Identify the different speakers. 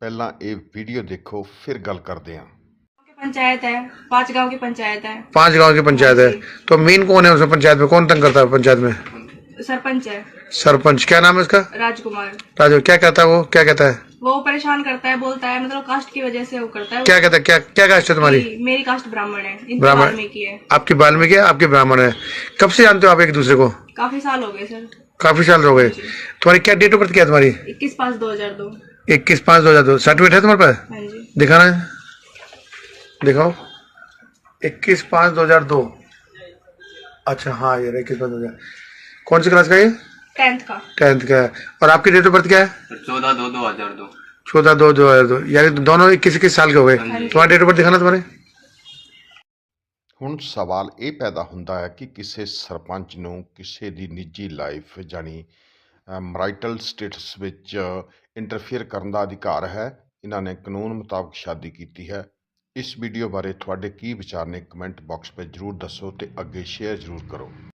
Speaker 1: ਪਹਿਲਾਂ ਇਹ ਵੀਡੀਓ देखो फिर गल करते हैं।
Speaker 2: पंचायत है, 5 गांव की पंचायत है।
Speaker 3: 5 गांव की पंचायत है। तो मेन कौन है उसमें पंचायत में, कौन तंग करता है पंचायत में?
Speaker 2: सरपंच है
Speaker 3: सरपंच। क्या नाम है उसका?
Speaker 2: राजकुमार।
Speaker 3: राजू। क्या कहता है वो, क्या कहता है?
Speaker 2: वो परेशान करता है, बोलता है मतलब कास्ट की वजह से वो करता है।
Speaker 3: क्या कहता है? क्या क्या कास्ट है तुम्हारी?
Speaker 2: मेरी कास्ट ब्राह्मण है, इनकी
Speaker 3: ब्राह्मण।
Speaker 2: वाल्मीकि है।
Speaker 3: आपकी वाल्मीकि है, आपके ब्राह्मण है। कब से जानते हो आप एक दूसरे को?
Speaker 2: काफी साल हो गए सर।
Speaker 3: काफी साल हो गए। तुम्हारी क्या डेट ऑफ बर्थ क्या है तुम्हारी?
Speaker 2: 21/5/2002।
Speaker 3: 21/5/2002। सर्टिफिकेट है तुम्हारे पास?
Speaker 2: हाँ जी।
Speaker 3: दिखाना है, दिखाओ। 21/5/2002। अच्छा हाँ, ये 21/5/2002। कौन सी क्लास का ये?
Speaker 2: 10th का।
Speaker 3: 10th का है। और आपकी डेट ऑफ बर्थ क्या है?
Speaker 4: 14/2/2002।
Speaker 3: 14/2/2002। यानी दोनों 21 साल के हो गए। तुम्हारा डेट ऑफ बर्थ दिखाना तुम्हारे।
Speaker 1: ਹੁਣ ਸਵਾਲ ਇਹ ਪੈਦਾ ਹੁੰਦਾ ਹੈ ਕਿ ਕਿਸੇ ਸਰਪੰਚ ਨੂੰ ਕਿਸੇ ਦੀ ਨਿੱਜੀ ਲਾਈਫ ਜਾਨੀ ਮੈਰਿਟਲ ਸਟੇਟਸ ਵਿੱਚ ਇੰਟਰਫੇਅਰ ਕਰਨ ਦਾ ਅਧਿਕਾਰ ਹੈ। ਇਹਨਾਂ ਨੇ ਕਾਨੂੰਨ ਮੁਤਾਬਕ ਸ਼ਾਦੀ ਕੀਤੀ ਹੈ। ਇਸ ਵੀਡੀਓ ਬਾਰੇ ਤੁਹਾਡੇ ਕੀ ਵਿਚਾਰ ਨੇ, ਕਮੈਂਟ ਬਾਕਸ ਵਿੱਚ ਜ਼ਰੂਰ ਦੱਸੋ ਤੇ ਅੱਗੇ ਸ਼ੇਅਰ ਜ਼ਰੂਰ ਕਰੋ।